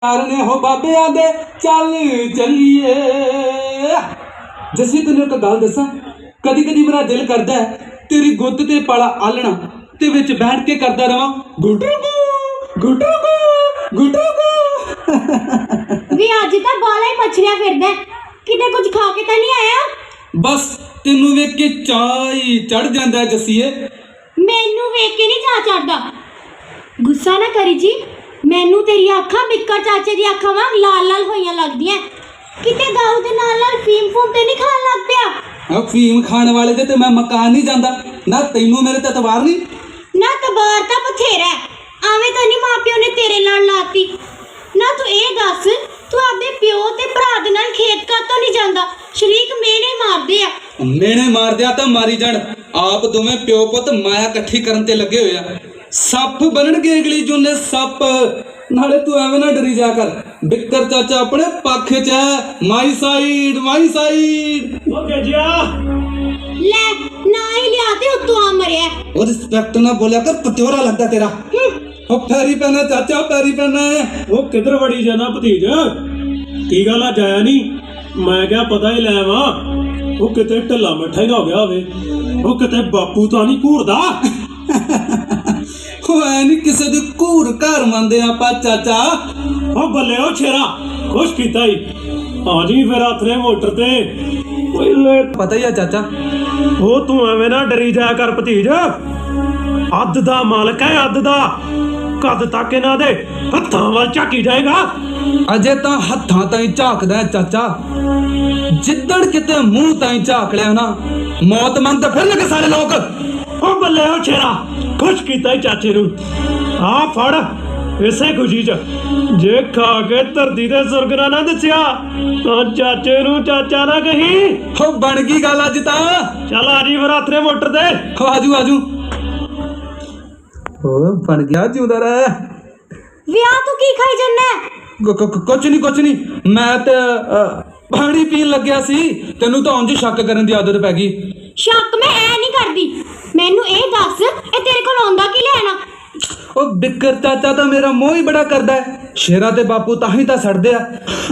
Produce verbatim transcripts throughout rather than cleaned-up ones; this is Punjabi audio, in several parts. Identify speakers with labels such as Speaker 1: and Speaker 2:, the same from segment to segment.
Speaker 1: ने हो बाबे आदे चल चलिए। जसी तेन एक गल दसा, कदी कदी मेरा दिल करता है तेरी गुत्त ते पाला आलना ते विच बैठ के करता रहा गुटरू गुटरू गुटरू।
Speaker 2: वी अज तां बाला ही मछलियां फिरदा, किते कुछ खा के तां नहीं आया?
Speaker 1: बस तेनू वेख के चाह ही चढ़ जांदा है जसीए।
Speaker 2: मैनू वेख के नहीं चाह चढ़दा। गुस्सा ना करी जी, मैनू तेरी अखां बिक्कर चाचे दी अखां वांग लाल लाल होइयां लगदियां। किते दाऊ दे नाल नाल फीम फूम ते नहीं खान लग पिया?
Speaker 1: अब फीम खाने वाले दे ते मैं मकान नहीं जांदा ना, तैनू मेरे ते तवार नहीं
Speaker 2: ना। तबार तां बथेरा है, आवें तां नहीं मां प्यो ने तेरे नाल लाती ना। तू ए दस, तू आपदे प्यो ते भरा दे नाल खेत कातों नहीं जांदा? शरीक मेने मारदे आ।
Speaker 1: मेने मार दिया तो मारी जान, आप दोवें प्यो पुत माया कट्ठी करन ते लगे होए आ। सप बनणगे अगली जूने सप। नाले तू एवें ना डरी जा कर, बिक्कर चाचा अपने पक्ष च है। My side my side.
Speaker 3: ओ गजिया
Speaker 2: ले ना ही लिया ते उत्तों आ मरिया।
Speaker 1: और रिस्पेक्ट ना बोलिया कर, पत्योरा लगदा तेरा। ओ पैरी पैना चाचा, पैरी पैना है।
Speaker 3: ओ किधर वड़ी जाना भतीज? की गल अज आया नहीं? मैं क्या पता ही लै वा। ओ किते ढिला मिठा ही ना हो गया होवे। ओ किते बापू तां नहीं घूरदा?
Speaker 1: नहीं किसी दी घूर घर मंनदे आपां चाचा।
Speaker 3: ओ बल्ले ओ शेरा, खुश कीता ही। आ जी फिर आथरे मोटर ते। ओए
Speaker 1: पता ही है चाचा।
Speaker 3: ओ तू एवें ना डरी जाया कर भतीज, अद्ध दा मालक है अद्ध दा। कद तक इन्हां दे हत्थां वल झाकी जाएगा?
Speaker 1: अजे तां हत्थां ताईं झाकदा है चाचा, जिद्दण किते मूंह ताईं झाक लिया ना मौत मंगदे फिरनगे सारे लोग।
Speaker 3: ओ बल्ले ओ शेरा, खुश कीता ही चाचे नू। आ फड़ इसे खुशी च जे खा के धरती दे सुर्ग ना ना दसिया तां चाचे नू चाचा ना कही।
Speaker 1: हो बन गई गल अज तां।
Speaker 3: चल आ जी फिर आथरे मोटर ते।
Speaker 1: हो आजू आजू। हो बन गया जिंदा रह।
Speaker 2: विआह तू की खाई जन्ना?
Speaker 1: कुछ नहीं कुछ नहीं, मैं ते पानी पीन लग्या सी, तेनू तो उंज शक करन दी आदत पै गई।
Speaker 2: शक मैं ऐ नहीं करदी, मैनू ए दस ए तेरे कोल आंदा की लेना?
Speaker 1: ओ बिक्कर चाचा तो मेरा मोह ही बड़ा करदा है, शेरा ते बापू ताही तां सड़दे आ।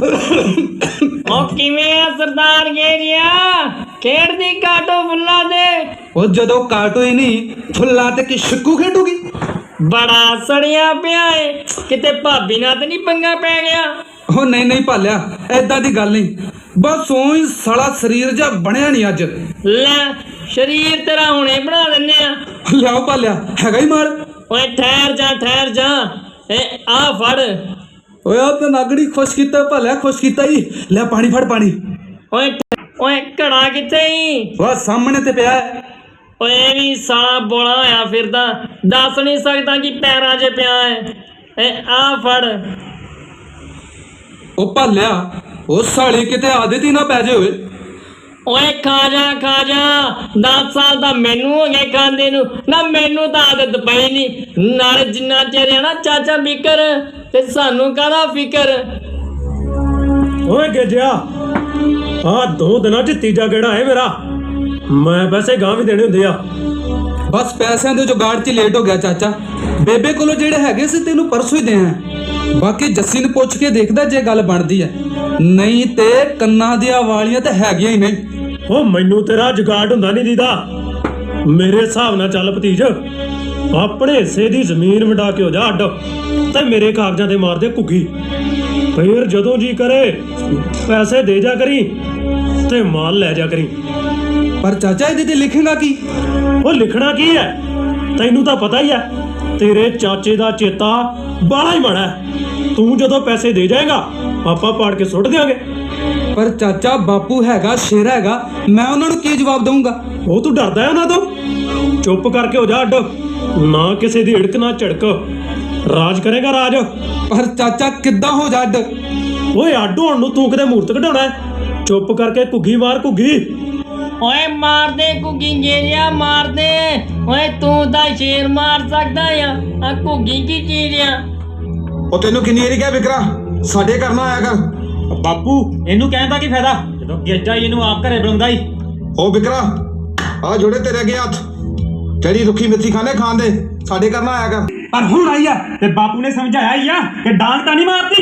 Speaker 4: ओ किवें आ सरदार गेरिया, खेड़दी काटो फुल्ला दे।
Speaker 1: ओ जदों काटो ही नहीं फुल्ला ते कि शिक्कू खेडूगी।
Speaker 4: बड़ा सड़िया पिया है, किते भाभी नाल ते नहीं पंगा पै गया?
Speaker 1: ओ नहीं नहीं भालिया, ऐदां दी गल नहीं, बस ओही सड़ा शरीर जा बनया नहीं अज।
Speaker 4: ले शरीर तेरा हुणे बना दिन्ने आ।
Speaker 1: लियाओ भालिया, हैगा ही माल।
Speaker 4: ओए ठहर जा ठहर जा, ए आ फड़।
Speaker 1: ओए आ ते नागड़ी खुश कीता भालिया, खुश कीता ही। ले पानी फड़ पानी।
Speaker 4: ओए ओए घड़ा किथे ही?
Speaker 1: वाह सामने ते पिया है।
Speaker 4: ओए भी साला बोला होया फिरदा, दस नहीं सकदा कि पैरां 'च पिया है। ए आ फड़।
Speaker 1: ओ भालिया, ओ साली किते आदत ही ना पै जे होए।
Speaker 4: ओए खा जा खा जा, दस साल दा मैनू हो गए खांदे नू ना, मैनू तां आदत पई नहीं। नाले जिन्ना चिर है ना चाचा बिकर ते सानू काहदा फिकर।
Speaker 3: ओए गजिया, आ दो दिनां च तीजा गेड़ा है मेरा। मैं पैसे गांव भी देने हुंदे आ।
Speaker 1: बस पैसों के जुगाड़ च लेट हो गया चाचा। बेबे कोलों जेड़े हैगे सी तेनू परसों ही दे हैं। बाकी जस्सी ने पुछ के देखदा जे गल बनदी है, नहीं ते कन्ना दियां वालियां ते हैगियां ही नहीं।
Speaker 3: ओ मैनू तेरा जुगाड़ हुंदा नहीं दीदा। मेरे हिसाब नाल चल भतीज, अपने हिस्से दी जमीन वंडा के हो जा अड्ड ते मेरे कागजां ते मार दे घुग्गी। फिर जदों जी करे पैसे दे जा करी ते माल ले जा करी।
Speaker 1: पर चाचा इहदे ते लिखेगा की?
Speaker 3: ओ लिखना की है, तैनू तां पता ही है, तेरे चाचे दा चेता बड़ा ही माड़ा है। तू जदों पैसे दे जाएगा आपां पाड़ के सुट देंगे।
Speaker 1: पर चाचा बापू हैगा, शेरा हैगा, मैं उन्हां नूं की जवाब दूंगा?
Speaker 3: ओ तू डरदा है उन्हां तों? चुप करके हो जा अड्ड, ना किसी दी हिड़क ना झड़क, राज करेगा राज।
Speaker 1: पर चाचा किद्दां हो जा अड्ड?
Speaker 3: ओए अड्ड होण नूं तू किते मूर्त कढाउणा है? चुप करके घुग्गी मार घुग्गी।
Speaker 4: ओए मार दे घुग्गी गेरिया मार दे। ओए तू तां शेर मार सकदा आ, आ घुग्गी की चीज आ?
Speaker 5: ਉਹ ਤੈਨੂੰ ਕਿੰਨੀ ਵਾਰੀ ਕਿਹਾ ਵਿਕਰਾ ਸਾਡੇ ਘਰ ਨਾ ਆਇਆ ਕਰ।
Speaker 6: ਬਾਪੂ ਇਹਨੂੰ ਕਹਿਣ ਦਾ ਕੀ ਫਾਇਦਾ ਜਦੋਂ ਗੇਜਾ ਇਹਨੂੰ ਆਪ ਘਰੇ ਬੁਲਾਉਂਦਾ ਹੀ।
Speaker 5: ਉਹ ਵਿਕਰਾ ਆ ਜੋੜੇ ਤੇਰੇ ਅੱਗੇ ਹੱਥ, ਜਿਹੜੀ ਰੁੱਖੀ ਮਿੱਠੀ ਖਾਣੇ ਖਾਣ ਦੇ ਸਾਡੇ ਘਰ ਨਾ ਆਇਆ ਕਰ।
Speaker 6: ਪਰ ਹੁਣ ਆਈ ਆ ਤੇ ਬਾਪੂ ਨੇ ਸਮਝਾਇਆ ਹੀ ਆ ਕਿ ਡਾਂਗ ਤਾਂ ਨਹੀਂ ਮਾਰਦੀ।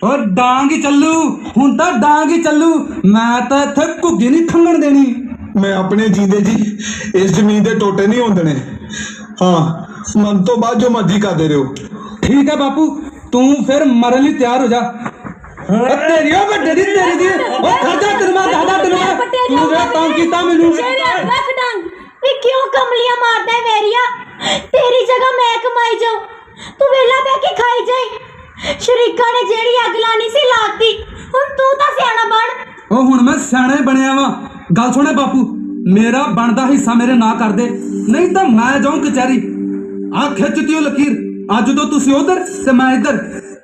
Speaker 1: ਓ ਡਾਂਗ ਹੀ ਚੱਲੂ ਹੁਣ ਤਾਂ ਡਾਂਗ ਹੀ ਚੱਲੂ ਮੈਂ ਤਾਂ ਇੱਥੇ ਘੁੱਗੀ ਨਹੀਂ ਖੰਗਣ ਦੇਣੀ।
Speaker 5: ਮੈਂ ਆਪਣੇ ਜੀਂਦੇ ਜੀ ਇਸ ਜ਼ਮੀਨ ਦੇ ਟੋਟੇ ਨਹੀਂ ਹੋਣ ਦੇਣੇ। ਹਾਂ, ਮਨ ਤੋਂ ਬਾਅਦ ਜੋ ਮਰਜ਼ੀ ਕਰਦੇ ਰਹੋ।
Speaker 1: ਠੀਕ ਹੈ ਬਾਪੂ, ਤੂੰ ਫਿਰ ਮਰਨ ਲਈ ਤਿਆਰ ਹੋ ਜਾ। ਓ ਤੇਰੀ ਓ ਵੱਡੇ ਦੀ ਤੇਰੀ ਦੀ ਓ ਖਰਚਾ ਤੈਨੂੰ ਮੈਂ ਦਾਦਾ ਤੈਨੂੰ ਮੈਂ ਤੂੰ ਵੇ ਤੰਗ ਕੀਤਾ ਮੈਨੂੰ।
Speaker 2: ਰੱਖ ਡੰਗ ਵੀ ਕਿਉਂ ਕਮਲੀਆਂ ਮਾਰਦਾ ਹੈ ਵੈਰੀਆ? ਤੇਰੀ ਜਗ੍ਹਾ ਮੈਂ ਕਮਾਈ ਜਾਉ, ਤੂੰ ਵੇਲਾ ਬਹਿ ਕੇ ਖਾਈ ਜਾਈ। ਸ਼ਰੀਕਾਂ ਨੇ ਜਿਹੜੀ ਅੱਗ ਲਾਣੀ ਸੀ ਲਾਤੀ, ਹੁਣ ਤੂੰ ਤਾਂ ਸਿਆਣਾ ਬਣ।
Speaker 1: ਉਹ ਹੁਣ ਮੈਂ ਸਿਆਣਾ ਹੀ ਬਣਿਆ ਵਾਂ। ਗੱਲ ਸੁਣੇ ਬਾਪੂ, ਮੇਰਾ ਬਣਦਾ ਹਿੱਸਾ ਮੇਰੇ ਨਾਂ ਕਰ ਦੇ, ਨਹੀਂ ਤਾਂ ਮੈਂ ਜਾਉਂ ਕਚਹਿਰੀ। ਆ ਖਿੱਚਤੀ ਉਹ ਲਕੀਰ, ਅੱਜ ਤੋਂ ਤੁਸੀਂ ਉਧਰ ਤੇ ਮੈਂ ਇੱਧਰ।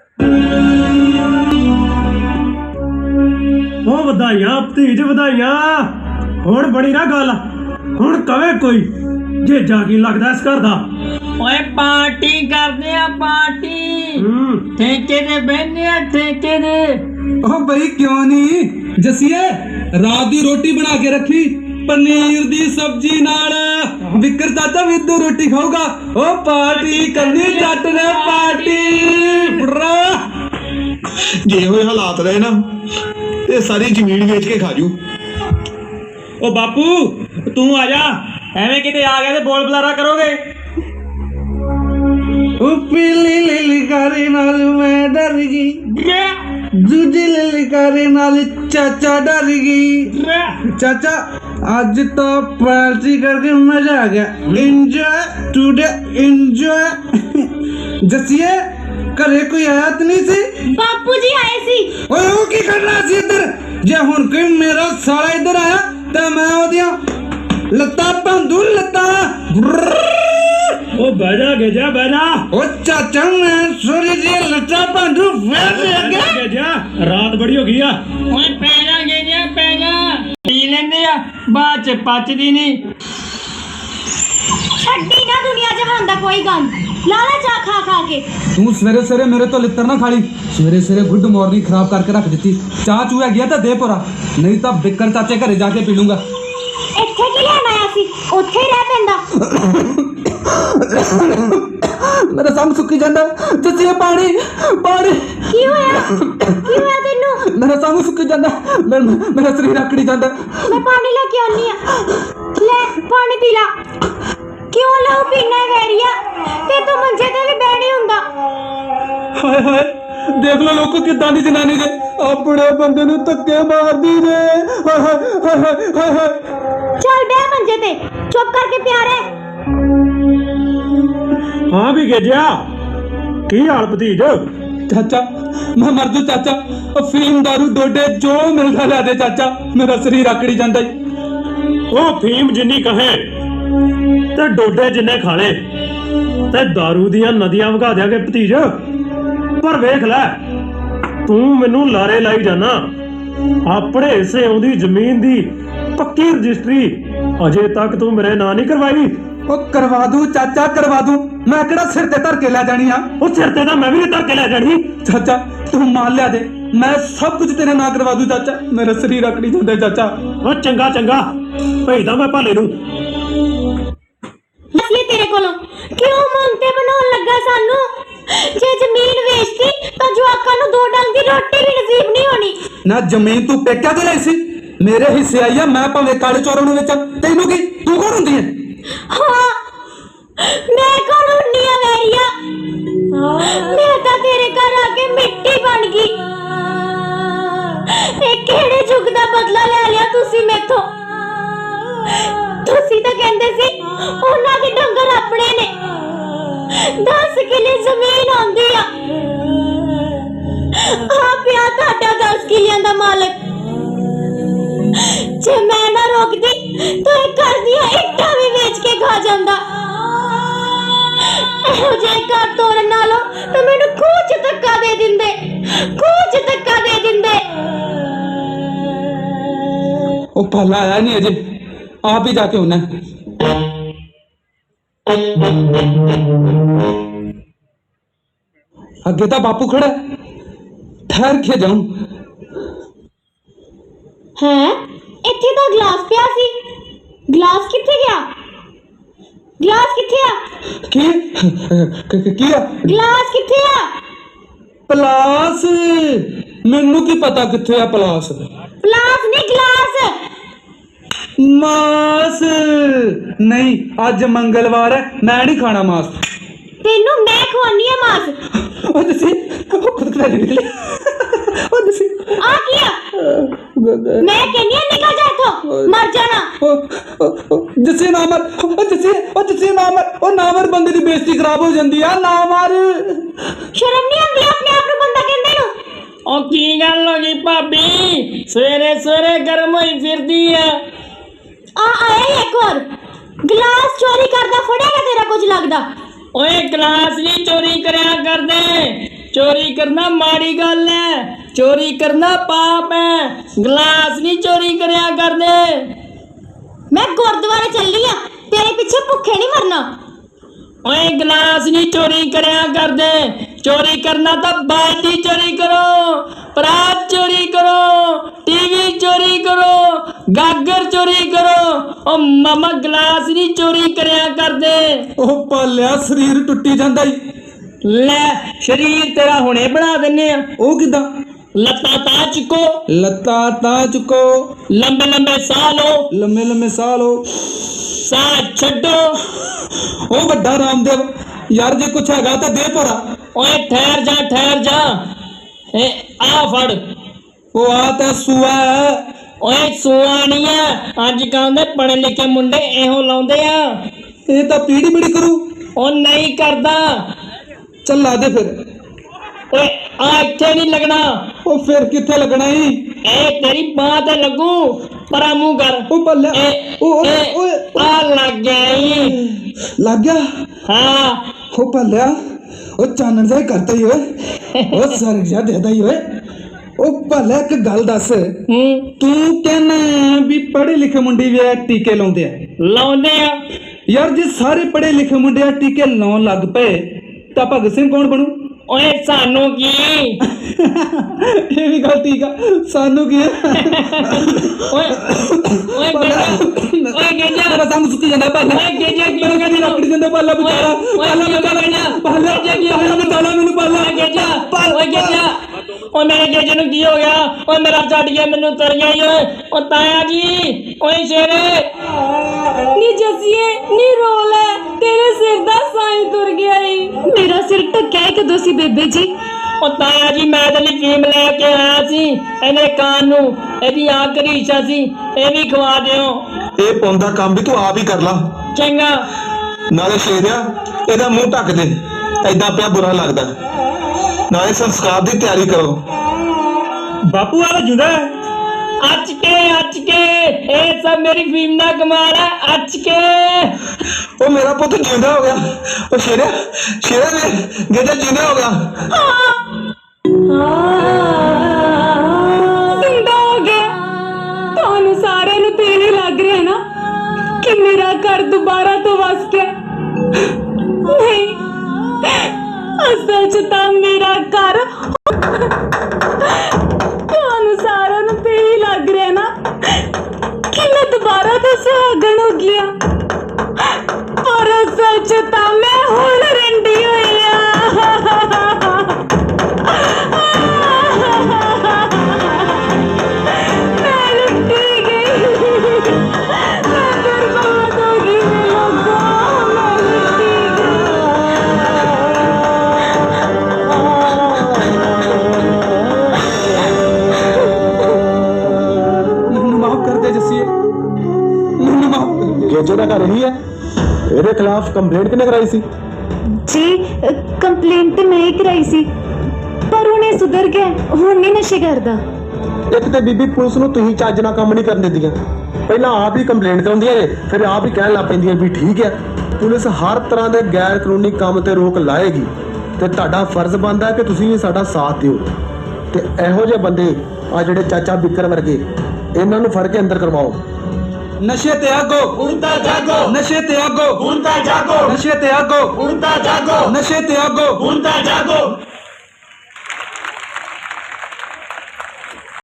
Speaker 3: ਉਹ ਵਧਾਈਆਂ ਭਤੀਜ ਵਧਾਈਆਂ। ਹੁਣ ਬਣੀ ਨਾ ਗੱਲ, ਹੁਣ ਕਵੇ ਕੋਈ ਜੇ ਜਾ ਕੀ ਲੱਗਦਾ ਇਸ ਘਰ ਦਾ।
Speaker 4: ਓਏ ਪਾਰਟੀ ਕਰਦੇ ਆ ਪਾਰਟੀ,
Speaker 3: ਹੂੰ
Speaker 4: ਠੇਕੇ ਤੇ ਬਹਿੰਦੇ ਆ ਠੇਕੇ ਤੇ।
Speaker 1: ਉਹ ਬਈ ਕਿਉਂ ਨਹੀਂ ਜਸੀਏ, ਰਾਤ ਦੀ ਰੋਟੀ ਬਣਾ ਕੇ ਰੱਖੀ ਪਨੀਰ ਦੀ ਸਬਜ਼ੀ ਨਾਲ। ਵਿਕਰ ਚਾਚਾ ਵੀ ਇੱਧਰ ਰੋਟੀ ਖਾਊਗਾ। ਉਹ ਪਾਰਟੀ ਕਰਨੀ ਜੱਟ ਨੇ ਪਾਰਟੀ ਬਰਾ।
Speaker 5: ਜੇ ਹੋਏ ਹਾਲਾਤ ਰਹੇ ਨਾ ਤੇ ਸਾਰੀ ਜ਼ਮੀਨ ਵੇਚ ਕੇ ਖਾ ਜੂ।
Speaker 6: ਉਹ ਬਾਪੂ ਤੂੰ ਆ ਜਾ, ਐਵੇਂ ਕਿਤੇ ਆ ਗਿਆ ਤੇ ਬੋਲ ਬੁਲਾਰਾ ਕਰੋਗੇ।
Speaker 1: ਉਹ ਪੀਲੀ ਲਿਲਕਾਰੇ ਨਾਲ ਮੈਂ ਡਰ ਗਈ, ਦੂਜੀ ਲਿਲਕਾਰੇ ਨਾਲ ਚਾਚਾ ਡਰ ਗਈ। ਚਾਚਾ ਅੱਜ ਤਾਂ ਪਾਰਟੀ ਕਰਕੇ ਮਜ਼ਾ ਆ ਗਿਆ। Enjoy today enjoy. ਜਸੀਏ ਘਰੇ ਕੋਈ ਆਇਆ ਤਾਂ ਨਹੀਂ ਸੀ?
Speaker 2: ਬਾਪੂ ਜੀ ਆਏ ਸੀ।
Speaker 1: ਓਏ ਉਹ ਕੀ ਕਰਨਾ ਸੀ ਇੱਧਰ? ਜੇ ਹੁਣ ਕੋਈ ਮੇਰਾ ਸਾਲਾ ਇੱਧਰ ਆਇਆ ਤਾਂ ਮੈਂ ਉਹਦੀਆਂ ਲੱਤਾਂ ਭੰਦੂ ਲੱਤਾਂ।
Speaker 3: ਉਹ ਬਹਿ ਜਾ ਗੇਜਾ ਬਹਿ ਜਾ।
Speaker 1: ਉਹ ਚਾਚਾ ਮੈਂ ਸੋਰੀ ਜੀ ਲੱਤਾਂ ਭੰਦੂ ਫੇਰ ਦੇ ਅੱਗੇ।
Speaker 3: ਗੇਜਾ ਰਾਤ ਬੜੀ ਹੋ ਗਈ ਆ।
Speaker 4: ਓਏ ਪੈ ਜਾ ਗੇਜਿਆ ਪੈ ਜਾ, ਪੀ ਲੈਂਦੇ ਆ ਬਾਅਦ ਚ ਪਚਦੀ ਨਹੀਂ।
Speaker 2: ਛੱਡੀ ਨਾ ਦੁਨੀਆ ਜਹਾਨ ਦਾ ਕੋਈ ਗੰਦ, ਲਾਲਾ ਚਾ ਖਾ ਖਾ ਕੇ।
Speaker 1: ਤੂੰ ਸਵੇਰੇ ਸਵੇਰੇ ਮੇਰੇ ਤੋਂ ਲਿੱਤਰ ਨਾ ਖਾਲੀ। ਸਵੇਰੇ ਸਵੇਰੇ ਗੁੱਡ ਮਾਰਨਿੰਗ ਖਰਾਬ ਕਰਕੇ ਰੱਖ ਦਿੱਤੀ। ਚਾਹ ਚੂਹਾ ਗਿਆ ਤਾਂ ਦੇ ਭਰਾ, ਨਹੀਂ ਤਾਂ ਬਿੱਕਰ ਚਾਚੇ ਘਰੇ ਜਾ ਕੇ ਪੀ ਲੂੰਗਾ।
Speaker 2: ਇੱਥੇ ਕੀ ਲੈਣ ਆਇਆ ਸੀ? ਉੱਥੇ ਹੀ ਰਹਿ ਪੈਂਦਾ।
Speaker 1: ਮੇਰਾ ਸਾਹ ਸੁੱਕੀ ਜਾਂਦਾ। ਜੱਸੀ ਪਾਣੀ ਪਾਣੀ।
Speaker 2: ਕੀ ਹੋਇਆ? ਕੀ ਹੋਇਆ ਤੈਨੂੰ?
Speaker 1: ਮੇਰਾ ਸਾਹ ਸੁੱਕੀ ਜਾਂਦਾ, ਮੇਰਾ ਮੇਰਾ ਸਰੀਰ ਆਕੜੀ ਜਾਂਦਾ।
Speaker 2: ਮੈਂ ਪਾਣੀ ਲੈ ਕੇ ਆਉਣੀ ਆ, ਲੈ ਪਾਣੀ ਪੀ ਲਾ। ਕਿਉਂ ਲਹੂ ਪੀਣਾ ਹੈ ਵੈਰੀਆ? ਤੇ ਤੂੰ ਮੰਜੇ ਤੇ ਵੀ ਬਹਿ ਨਹੀਂ ਹੁੰਦਾ।
Speaker 1: ਹਾਏ ਹਾਏ, ਦੇਖ ਲੋ ਲੋਕ ਕਿੱਦਾਂ ਦੀ ਜਨਾਨੀ ਜੇ ਆਪਣੇ ਬੰਦੇ ਨੂੰ ਧੱਕੇ ਮਾਰਦੀ ਜੇ। ਹਾਏ ਹਾਏ ਹਾਏ ਹਾਏ ਹਾਏ ਹਾਏ।
Speaker 2: ਚੱਲ ਬਹਿ ਮੰਜੇ ਤੇ, ਚੁੱਪ ਕਰਕੇ ਪਿਆ ਰਹਿ।
Speaker 3: ਹਾਂ ਵੀ ਗੇਜਿਆ, ਕੀ ਹਾਲ ਭਤੀਜ?
Speaker 1: ਚਾਚਾ ਮੈਂ ਮਰ ਜੂ ਚਾਚਾ। ਅਫੀਮ ਦਾਰੂ ਡੋਡੇ ਜੋ ਮਿਲਦਾ ਲਿਆ ਦੇ ਚਾਚਾ, ਮੇਰਾ ਸਰੀਰ ਆਕੜੀ ਜਾਂਦਾ ਈ।
Speaker 3: ਉਹ ਫੀਮ ਜਿੰਨੀ ਕਹੇ ਤੇ ਡੋਡੇ ਜਿੰਨੇ ਖਾਲੇ ਤੇ दारू ਦੀਆਂ ਨਦੀਆਂ ਵਗਾ ਦਿਆਂਗੇ ਭਤੀਜ। ਪਰ ਵੇਖ ਲੈ, ਤੂੰ ਮੈਨੂੰ ਲਾਰੇ ਲਾਈ ਜਾਣਾ। ਆਪਣੇ ਹਿੱਸੇ ਆਉਂਦੀ ਜ਼ਮੀਨ ਦੀ ਪੱਕੀ ਰਜਿਸਟਰੀ ਅਜੇ ਤੱਕ ਤੂੰ ਮੇਰੇ ਨਾਂ ਨਹੀਂ ਕਰਵਾਈ।
Speaker 1: ਉਹ ਕਰਵਾ ਦੂ ਚਾਚਾ ਕਰਵਾ ਦੂ, ਮੈਂ ਕਿਹੜਾ ਸਿਰ ਤੇ ਧਰ ਕੇ ਲੈ ਜਾਣੀ ਆ।
Speaker 3: ਉਹ ਸਿਰ ਤੇ ਤਾਂ ਮੈਂ ਵੀ ਧਰ ਕੇ ਲੈ ਜਾਣੀ।
Speaker 1: ਚਾਚਾ ਤੂੰ ਮਾਲ ਲਿਆ ਦੇ, ਮੈਂ ਸਭ ਕੁਝ ਤੇਰੇ ਨਾਂ ਕਰਵਾ ਦੂ ਚਾਚਾ, ਮੇਰਾ ਸਰੀਰ ਆਕੜੀ ਜਾਂਦਾ ਚਾਚਾ।
Speaker 3: ਉਹ ਚੰਗਾ ਚੰਗਾ ਭੇਜਦਾ ਮੈਂ ਭਾਲੇ ਨੂੰ।
Speaker 2: ਅਸਲੀ ਤੇਰੇ ਕੋਲੋਂ ਕਿਉਂ ਮੰਗਤੇ ਬਣਾਉਣ ਲੱਗਾ ਸਾਨੂੰ? ਜੇ ਜ਼ਮੀਨ ਵੇਚਤੀ ਤਾਂ ਜਵਾਕਾਂ ਨੂੰ ਦੋ ਡੰਗ ਦੀ ਰੋਟੀ ਵੀ ਨਸੀਬ ਨਹੀਂ ਹੋਣੀ।
Speaker 1: ਨਾ ਜ਼ਮੀਨ ਤੂੰ ਪੇਕਿਆ ਤੇ ਲਈ ਸੀ, ਮੇਰੇ ਹਿੱਸੇ ਆਈ ਆ। ਮੈਂ ਭਾਵੇਂ ਕਾਲੇ ਚੋਰਾਂ ਨੂੰ ਵੇਚਾਂ, ਤੈਨੂੰ ਕੀ? ਤੂੰ ਕੌਣ ਹੁੰਦੀ ਹੈ?
Speaker 2: ਹਾਂ ਮੈਂ ਕੌਣ ਹੁੰਦੀ ਆ ਵੈਰੀਆ? ਮੈਂ ਤਾਂ ਤੇਰੇ ਘਰ ਆ ਕੇ ਮਿੱਟੀ ਬਣ ਗਈ। ਇਹ ਕਿਹੜੇ ਯੁੱਗ ਦਾ ਬਦਲਾ ਲੈ ਲਿਆ ਤੁਸੀਂ ਮੈਥੋਂ? ਤੁਸੀਂ ਤਾਂ ਕਹਿੰਦੇ ਸੀ ਉਹਨਾਂ ਦੇ ਡੰਗਰ ਆਪਣੇ ਨੇ, ਦਸ ਕਿੱਲੇ ਜ਼ਮੀਨ ਆਉਂਦੀ ਆ। ਆ ਪਿਆ ਤੁਹਾਡਾ ਦਸ ਕਿੱਲਿਆਂ ਦਾ ਮਾਲਕ। ਜੇ ਮੈਂ ਨਾ ਰੋਕਦੀ ਤਾਂ ਇਹ ਘਰ ਦੀਆਂ ਇੱਟਾਂ ਵੀ ਵੇਚ ਕੇ ਖਾ ਜਾਂਦਾ। ਇਹੋ ਜਿਹੇ ਘਰ ਤੋੜਨ ਨਾਲੋਂ ਤਾਂ ਮੈਨੂੰ ਖੂਹ 'ਚ ਧੱਕਾ ਦੇ ਦਿੰਦੇ, ਖੂਹ 'ਚ ਧੱਕਾ ਦੇ ਦਿੰਦੇ।
Speaker 1: ਉਹ ਪਾਲਾ ਆਇਆ ਨਹੀਂ ਅਜੇ, ਆਪ ਹੀ ਜਾ ਕੇ ਹੋਣਾ। ਅੱਗੇ ਤਾਂ ਬਾਪੂ ਖੜਾ, ਠਹਿਰ ਕੇ ਜਾऊं।
Speaker 2: ਹੈ ਇੱਥੇ ਤਾਂ ਗਲਾਸ ਪਿਆ ਸੀ, ਗਲਾਸ ਕਿੱਥੇ ਗਿਆ? ਗਲਾਸ ਕਿੱਥੇ ਆ?
Speaker 1: ਕੀ ਕ- ਕੀ ਆ?
Speaker 2: ਗਲਾਸ ਕਿੱਥੇ ਆ?
Speaker 1: ਪਲਾਸ ਮੈਨੂੰ ਕੀ ਪਤਾ ਕਿੱਥੇ ਆ ਪਲਾਸ।
Speaker 2: ਪਲਾਸ ਨਹੀਂ ਗਲਾਸ।
Speaker 1: ਮਾਸ ਨਹੀਂ, ਅੱਜ ਮੰਗਲਵਾਰ ਹੈ, ਮੈਂ ਨਹੀਂ ਖਾਣਾ ਮਾਸ।
Speaker 2: ਤੈਨੂੰ ਮੈਂ ਖਵਾਨੀ ਆ ਮਾਸ।
Speaker 1: ਉਹ ਤੁਸੀਂ ਉਹ ਖੁਦ ਕਰਾ ਨਿਕਲੇ ਉਹ ਤੁਸੀਂ
Speaker 2: ਆ ਕੀ ਆ? ਮੈਂ ਕਹਿੰਨੀ ਆ ਨਿਕਲ ਜਾ ਇੱਥੋਂ, ਮਰ ਜਾਣਾ।
Speaker 1: ਜਿਸੇ ਨਾ ਮਰ, ਉਹ ਜਿਸੇ ਉਹ ਜਿਸੇ ਨਾ ਮਰ, ਉਹ ਨਾ ਮਰ ਬੰਦੇ ਦੀ ਬੇਇੱਜ਼ਤੀ ਖਰਾਬ ਹੋ ਜਾਂਦੀ ਆ। ਨਾ ਮਰ,
Speaker 2: ਸ਼ਰਮ ਨਹੀਂ ਆਉਂਦੀ ਆਪਣੇ ਆਪ ਨੂੰ ਬੰਦਾ ਕਹਿੰਦੇ ਨੂੰ?
Speaker 4: ਉਹ ਕੀ ਗੱਲ ਹੋ ਗਈ ਭਾਬੀ, ਸਵੇਰੇ ਸਵੇਰੇ ਗਰਮ ਹੋਈ ਫਿਰਦੀ ਆ।
Speaker 2: ਆ ਆਇਆ ਇੱਕ ਹੋਰ ਗਲਾਸ ਚੋਰੀ ਕਰਦਾ ਫੜਿਆਗਾ ਤੇਰਾ ਕੁਝ ਲੱਗਦਾ?
Speaker 4: ਓਏ ਗਲਾਸ ਨਹੀਂ ਚੋਰੀ ਕਰਿਆ ਕਰਦੇ, ਚੋਰੀ ਕਰਨਾ ਮਾੜੀ ਗੱਲ ਹੈ, ਚੋਰੀ ਕਰਨਾ ਪਾਪ ਹੈ। ਗਲਾਸ ਨਹੀਂ ਚੋਰੀ ਕਰਿਆ ਕਰਦੇ।
Speaker 2: ਮੈਂ ਗੁਰਦੁਆਰੇ ਚੱਲੀ ਆ, ਤੇਰੇ ਪਿੱਛੇ ਭੁੱਖੇ ਨਹੀਂ ਮਰਨਾ।
Speaker 4: ਓਏ ਗਲਾਸ ਨਹੀਂ ਚੋਰੀ ਕਰਿਆ ਕਰਦੇ, ਚੋਰੀ ਕਰਨਾ ਤਾਂ ਬਾਲਟੀ ਚੋਰੀ ਕਰੋ, ਪਰਾਤ ਚੋਰੀ ਕਰੋ, ਟੀਵੀ ਚੋਰੀ ਕਰੋ, ਗਾਗਰ ਚੋਰੀ ਕਰੋ। ਓ ਮਾਮਾ ਗਲਾਸ ਨਹੀਂ ਚੋਰੀ ਕਰਿਆ ਕਰਦੇ।
Speaker 1: ਉਹ ਪਾਲਿਆ ਸਰੀਰ ਟੁੱਟੀ ਜਾਂਦਾ ਈ।
Speaker 4: ਲੈ ਸ਼ਰੀਰ ਤੇਰਾ ਹੁਣੇ ਬਣਾ ਦਿੰਨੇ ਆ।
Speaker 1: ਉਹ ਕਿਦਾਂ?
Speaker 4: ਲੱਤਾਂ ਤਾਂ ਚੁੱਕੋ,
Speaker 1: ਲੱਤਾਂ ਤਾਂ ਚੁੱਕੋ,
Speaker 4: ਲੰਬੇ ਲੰਬੇ ਸਾਹ ਲਓ,
Speaker 1: ਲੰਮੇ ਲੰਮੇ ਸਾਹ ਲਓ,
Speaker 4: ਸਾਹ ਛੱਡੋ।
Speaker 1: ਉਹ ਵੱਡਾ ਰਾਮਦੇਵ ਯਾਰ, ਜੇ ਕੁਛ ਹੈਗਾ ਤਾਂ ਦੇ ਭਰਾ।
Speaker 4: ਓਏ ਠਹਿਰ ਜਾ ਠਹਿਰ ਜਾ, ਇਹ ਆ ਫੜ।
Speaker 1: ਉਹ ਆ ਤਾਂ ਸੂਆ ਹੈ।
Speaker 4: ਓਏ ਸੂਆ ਨਹੀਂ ਆ, ਅੱਜ ਕੱਲ੍ਹ ਦੇ ਪੜ੍ਹੇ ਲਿਖੇ ਮੁੰਡੇ ਇਹੋ ਲਾਉਂਦੇ ਆ।
Speaker 1: ਇਹ ਤਾਂ ਪੀੜੀ ਪੀੜੀ ਕਰੂ।
Speaker 4: ਉਹ ਨਹੀਂ ਕਰਦਾ।
Speaker 1: ਚੱਲ ਲਾ ਦੇ ਫਿਰ।
Speaker 4: ਓਏ ਆ ਇੱਥੇ ਨਹੀਂ ਲੱਗਣਾ,
Speaker 1: ਉਹ ਫਿਰ ਕਿੱਥੇ ਲੱਗਣਾ ਈ?
Speaker 4: ਇਹ ਤੇਰੀ ਬਾਂਹ ਤੇ ਲੱਗੂ, ਪਰਾਂ ਮੂੰਹ ਕਰ।
Speaker 1: ਉਹ ਪਾਲਿਆ,
Speaker 4: ਇਹ
Speaker 1: ਉਹ ਓਏ
Speaker 4: ਇਹ
Speaker 1: ਓਏ
Speaker 4: ਆ ਲੱਗ ਗਿਆ ਈ।
Speaker 1: ਲੱਗ ਗਿਆ।
Speaker 4: ਹਾਂ
Speaker 1: ਉਹ ਪਾਲਿਆ, ਉਹ ਚਾਨਣ ਜਾਇ ਕਰਤਾ ਹੀ ਓਏ। ਉਹ ਸਰਗ ਜਾ ਦੇਦਾ ਹੀ ਓਏ। ਉਹ ਪਾਲਿਆ ਇੱਕ ਗੱਲ ਦੱਸ,
Speaker 4: ਹੂੰ
Speaker 1: ਤੂੰ ਕਹਿੰਦਾ ਵੀ ਪੜ੍ਹੇ ਲਿਖੇ ਮੁੰਡੇ ਵੀ ਆ ਟੀਕੇ ਲਾਉਂਦੇ ਆ।
Speaker 4: ਲਾਉਂਦੇ ਆ।
Speaker 1: ਯਾਰ ਜੇ ਸਾਰੇ ਪੜ੍ਹੇ ਲਿਖੇ ਮੁੰਡੇ ਆ ਟੀਕੇ ਲਾਉਣ ਲੱਗ ਪਏ ਤਾਂ ਭਗਤ ਸਿੰਘ ਕੌਣ ਬਣੂ?
Speaker 4: ਓਏ ਸਾਨੂੰ ਕੀ,
Speaker 1: ਇਹ ਵੀ ਗੱਲ ਠੀਕ ਆ, ਸਾਨੂੰ ਕੀ ਹੈ?
Speaker 4: ਓਏ ਓਏ ਗੇਜਾ, ਓਏ ਗੇਜਾ,
Speaker 1: ਤੇਰਾ ਸਾਹਮਣੇ ਸੁੱਕੀ ਜਾਂਦਾ ਪਾਲਾ।
Speaker 4: ਓਏ ਗੇਜਾ ਕੀ
Speaker 1: ਮੇਰੇ ਕਹਿੰਦੀ ਲੱਕੜੀ ਜਾਂਦਾ ਪਾਲਾ ਬਚਾਰਾ। ਪਾਲਾ ਬਚਾਰਾ ਪਾਲਾ ਪਾਲਾ ਬਚਾਰਾ ਮੈਨੂੰ ਪਾਲਾ।
Speaker 4: ਓਏ ਗੇਜਾ, ਓਏ ਗੇਜਾ, ਓਏ ਮੇਰੇ ਗੇਜੇ ਨੂੰ ਕੀ ਹੋ ਗਿਆ? ਓਏ ਮੇਰਾ ਛੱਡ ਗਿਆ, ਮੈਨੂੰ ਤਰ ਗਿਆ ਈ ਓਏ। ਓ ਤਾਇਆ ਜੀ, ਓਏ ਸ਼ੇਰੇ
Speaker 2: ਨੀ ਜਸੀਏ ਨੀ ਰੋਲ ਹੈ, ਤੇਰੇ ਸਿਰ ਦਾ ਸਾਈਂ ਤੁਰ ਗਿਆ ਈ। ਮੇਰਾ ਸਿਰ ਟੱਕਿਆ ਈ ਕਦੋਂ ਸੀ ਬੇਬੇ ਜੀ?
Speaker 4: ਓ ਤਾਇਆ ਜੀ, ਮੈਂ ਤੇ ਫੀਮ ਲੈ ਕੇ ਆਇਆ ਸੀ, ਇਹਨੇ ਕਾਨ ਨੂੰ, ਇਹਦੀ ਆਖਰੀ ਇੱਛਾ ਸੀ, ਇਹ ਵੀ ਖਵਾ ਦਿਓ।
Speaker 5: ਇਹ ਪੁੰਨ ਦਾ ਕੰਮ ਵੀ ਤੂੰ ਆਪ ਹੀ ਕਰ ਲਾ।
Speaker 4: ਚੰਗਾ।
Speaker 5: ਨਾਲੇ ਸ਼ੇਰਿਆ ਇਹਦਾ ਮੂੰਹ ਢੱਕ ਦੇ, ਐਦਾਂ ਪਿਆ ਬੁਰਾ ਲੱਗਦਾ। ਨਾਲੇ ਸੰਸਕਾਰ ਦੀ ਤਿਆਰੀ ਕਰੋ।
Speaker 6: ਬਾਪੂ ਆ ਜੁਦਾ ਹੈ।
Speaker 4: ਅੱਜ ਕੇ ਅੱਜ ਕੇ ਇਹ ਸਭ ਮੇਰੀ ਫੀਮ ਦਾ ਕਮਾਲ ਹੈ। ਅੱਜ ਕੇ
Speaker 5: ਉਹ ਮੇਰਾ ਪੁੱਤ ਜਿੰਦਾ ਹੋ ਗਿਆ। ਉਹ ਸ਼ੇਰਿਆ ਸ਼ੇਰਿਆ ਨੇ ਗੇਜਾ ਜਿੰਦਾ ਹੋ ਗਿਆ।
Speaker 2: ਜ਼ਿੰਦਾ ਹੋ ਗਿਆ। ਤੁਹਾਨੂੰ ਸਾਰਿਆਂ ਨੂੰ ਤੇ ਇਹ ਲੱਗ ਰਿਹਾ ਨਾ ਕਿ ਮੇਰਾ ਘਰ ਦੁਬਾਰਾ ਤੋਂ ਵਸ ਗਿਆ। ਨਹੀਂ, ਅਸਲ 'ਚ ਤਾਂ ਮੇਰਾ ਘਰ, ਤੁਹਾਨੂੰ ਸਾਰਿਆਂ ਨੂੰ ਤੇ ਇਹ ਲੱਗ ਰਿਹਾ ਨਾ ਕਿ ਮੈਂ ਦੁਬਾਰਾ ਤੋਂ ਸੁਹਾਗਣ ਹੋ ਗਿਆ, ਪਰ ਅਸਲ 'ਚ ਤਾਂ ਮੈਂ ਹੁਣ ਰੰਡੀ ਹੋਈ ਆ। ਮੈਂ ਲੁੱਟੀ ਗਈ, ਮੈਂ ਬਰਬਾਦ ਹੋ ਗਈ। ਲੋਕਾਂ ਮੈਂ ਲੁੱਟੀ
Speaker 1: ਮੈਨੂੰ ਮਾਫ ਕਰ ਦੇ ਜੱਸੀਏ, ਮੈਨੂੰ ਮਾਫ ਕਰ ਦੇ।
Speaker 5: ਗੇਜੇ ਦਾ ਘਰ ਹੀ ਹੈ। ਇਹਦੇ ਖਿਲਾਫ ਕੰਪਲੇਂਟ ਕਿਹਨੇ ਕਰਾਈ ਸੀ?
Speaker 2: ਜੀ ਕੰਪਲੇਂਟ ਤੇ ਮੈਂ ਹੀ ਕਰਾਈ ਸੀ, ਪਰ ਹੁਣ ਇਹ ਸੁਧਰ ਗਿਆ, ਹੁਣ ਨਹੀਂ ਨਸ਼ੇ ਕਰਦਾ।
Speaker 5: ਇੱਕ ਤੇ ਬੀਬੀ ਪੁਲਿਸ ਨੂੰ ਤੁਸੀਂ ਚੱਜ ਨਾਲ ਕੰਮ ਨਹੀਂ ਕਰਨ ਦਿੰਦੀਆਂ। ਪਹਿਲਾਂ ਆਪ ਹੀ ਕੰਪਲੇਂਟ ਕਰਾਉਂਦੀਆਂ ਨੇ, ਫਿਰ ਆਪ ਹੀ ਕਹਿਣ ਲੱਗ ਪੈਂਦੀਆਂ ਵੀ ਠੀਕ ਹੈ। ਪੁਲਿਸ ਹਰ ਤਰ੍ਹਾਂ ਦੇ ਗੈਰ ਕਾਨੂੰਨੀ ਕੰਮ ਤੇ ਰੋਕ ਲਾਏਗੀ ਤੇ ਤੁਹਾਡਾ ਫਰਜ਼ ਬਣਦਾ ਹੈ ਕਿ ਤੁਸੀਂ ਵੀ ਸਾਡਾ ਸਾਥ ਦਿਓ ਤੇ ਇਹੋ ਜਿਹੇ ਬੰਦੇ ਆ ਜਿਹੜੇ ਚਾਚਾ ਬਿੱਕਰ ਵਰਗੇ, ਇਹਨਾਂ ਨੂੰ ਫੜ ਕੇ ਅੰਦਰ ਕਰਵਾਓ।
Speaker 1: ਨਸ਼ੇ ਤੇ ਆਗੋ,
Speaker 7: ਹੁਣ ਤਾਂ ਜਾਗੋ,
Speaker 1: ਨਸ਼ੇ ਤੇ ਆਗੋ,
Speaker 7: ਹੁਣ ਤਾਂ ਜਾਗੋ,
Speaker 1: ਨਸ਼ੇ ਤੇ ਆਗੋ,
Speaker 7: ਹੁਣ ਤਾਂ ਜਾਗੋ,
Speaker 1: ਨਸ਼ੇ ਤੇ ਆਗੋ।
Speaker 7: ਹੁਣ ਤਾਂ ਜਾਗੋ।